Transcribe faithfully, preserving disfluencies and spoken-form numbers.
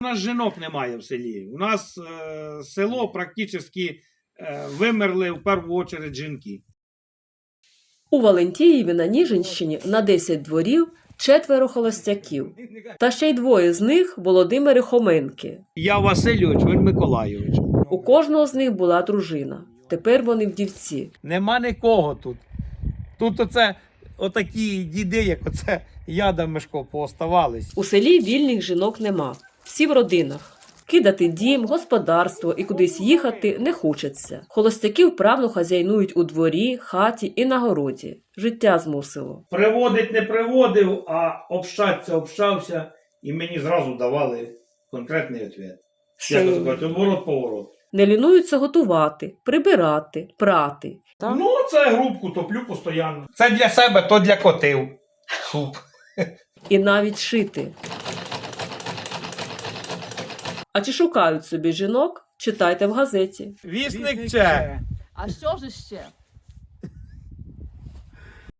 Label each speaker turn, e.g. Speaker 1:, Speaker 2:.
Speaker 1: У нас жінок немає в селі. У нас е, село практично е, вимерли в першу чергу жінки.
Speaker 2: У Валентіїві на Ніжинщині на десять дворів четверо холостяків. Та ще й двоє з них – Володимири Хоменки.
Speaker 1: Я Васильович, він Миколайович.
Speaker 2: У кожного з них була дружина. Тепер вони вдівці.
Speaker 1: Нема нікого тут. Тут оце отакі діди, як оце Яда Мишко, пооставались.
Speaker 2: У селі вільних жінок нема. Всі в родинах. Кидати дім, господарство і кудись їхати не хочеться. Холостяки вправно хазяйнують у дворі, хаті і на городі. Життя змусило.
Speaker 1: Приводить не приводив, а общатися общався, і мені зразу давали конкретний відповідь. Як це кажуть, оборот-поворот.
Speaker 2: Не лінуються готувати, прибирати, прати. Так?
Speaker 1: Ну, це грубку топлю постійно. Це для себе, то для котів. Суп.
Speaker 2: І навіть шити. А чи шукають собі жінок? Читайте в газеті.
Speaker 1: Вісник че.
Speaker 3: А що ж ще?